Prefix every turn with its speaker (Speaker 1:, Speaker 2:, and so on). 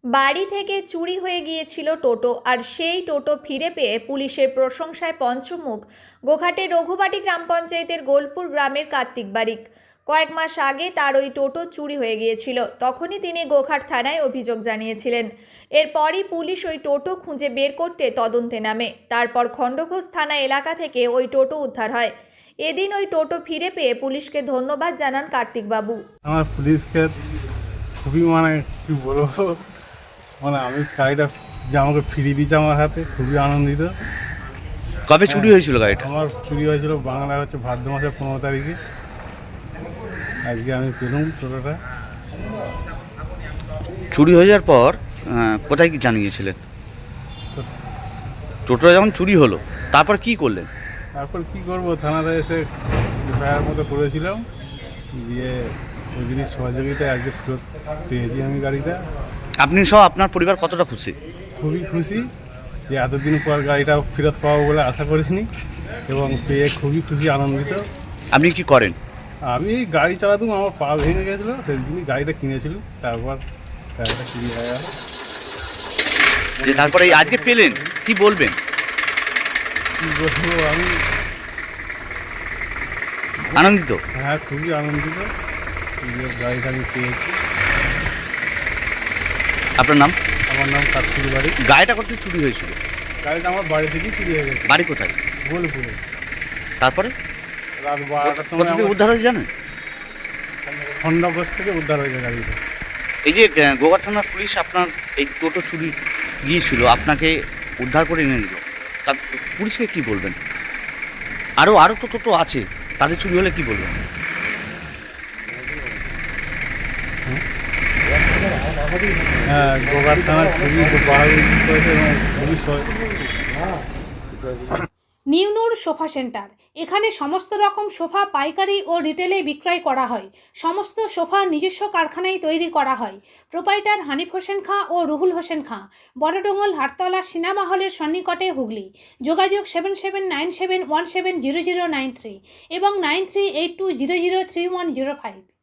Speaker 1: বাড়ি থেকে চুরি হয়ে গিয়েছিল টোটো, আর সেই টোটো ফিরে পেয়ে পুলিশের প্রশংসায় পঞ্চমুখ গোঘাটের রঘুবাটি গ্রাম পঞ্চায়েতের গোলপুর গ্রামের কার্তিক বারিক। কয়েক মাস আগে তার ওই টোটো চুরি হয়ে গিয়েছিল, তখনই তিনি গোঘাট থানায় অভিযোগ জানিয়েছিলেন। এরপরই পুলিশ ওই টোটো খুঁজে বের করতে তদন্তে নামে। তারপর খণ্ডঘোষ থানা এলাকা থেকে ওই টোটো উদ্ধার হয়। এদিন ওই টোটো ফিরে পেয়ে পুলিশকে ধন্যবাদ জানান কার্তিক বাবু।
Speaker 2: আমার পুলিশকে খুবই কি বলবো, আমি গাড়িটা যে আমাকে ফিরিয়ে দিয়েছে আমার হাতে, খুবই আনন্দিত।
Speaker 3: কবে চুরি হয়েছিল গাড়িটা?
Speaker 2: আমার চুরি হয়েছিল বাংলার ভাদ্র মাসের 15 তারিখে। আজকে আমি পেলাম টোটোটা।
Speaker 3: চুরি হয়ে যাওয়ার পর কোথায় কি জানিয়েছিলেন? টোটোটা যখন চুরি হলো তারপর কি করলেন?
Speaker 2: তারপর কি করবো, থানাতে এসে এফআইআর মতো করেছিলাম, দিয়ে ওই দিনের সহযোগিতায় আজকে ফেরত পেয়েছি আমি গাড়িটা।
Speaker 3: আপনি সহ আপনার পরিবার কতটা খুশি?
Speaker 2: খুবই খুশি যে এতদিন পর গাড়িটা ফেরত পাবো বলে আশা করিনি, এবং পেয়ে খুবই খুশি, আনন্দিত।
Speaker 3: আপনি কি করেন?
Speaker 2: আমি গাড়ি চালাতাম, আমার পা ভেঙে গেছিলো, সেই দিনই গাড়িটা কিনেছিল। তারপর গাড়িটা চুরি হয়ে গেল।
Speaker 3: যে তারপরে আজকে পেলেন, কি বলবেন?
Speaker 2: কী বলবো, আমি
Speaker 3: আনন্দিত?
Speaker 2: হ্যাঁ, খুবই আনন্দিত যে গাড়িটা আমি পেয়েছি।
Speaker 3: আপনার নাম?
Speaker 2: আমার নাম কার্তিক বারিক।
Speaker 3: গাড়িটা কোথায় চুরি হয়েছিল?
Speaker 2: গাড়িটা আমার বাড়ি থেকেই চুরি হয়ে গেছে।
Speaker 3: বাড়ি কোথায়?
Speaker 2: গোলপুরে।
Speaker 3: তারপরে
Speaker 2: রাত 12টার সময়
Speaker 3: কোথা থেকে উদ্ধার হয়েছে জানেন?
Speaker 2: খণ্ডঘোষ থেকে উদ্ধার হয়েছে গাড়িটা।
Speaker 3: এই যে গোঘাট থানার পুলিশ আপনার এই টোটো চুরি গিয়েছিল, আপনাকে উদ্ধার করে এনে দিল, তার পুলিশকে কি বলবেন? আরও তো টোটো আছে, তাদের চুরি হলে কি বলবেন?
Speaker 2: হ্যাঁ, গোঘাট থানার খুবই বাহাদুরি করেছে এবং পুলিশ
Speaker 4: নিউনুর সোফা সেন্টার। এখানে সমস্ত রকম সোফা পাইকারি ও রিটেলে বিক্রয় করা হয়। সমস্ত সোফা নিজস্ব কারখানায় তৈরি করা হয়। প্রোপাইটার হানিফ হোসেন খাঁ ও রুহুল হোসেন খাঁ, বড়ডোঙ্গল হাটতলা সিনেমা হলের সন্নিকটে, হুগলি। যোগাযোগ 7797170093 এবং 9382003105।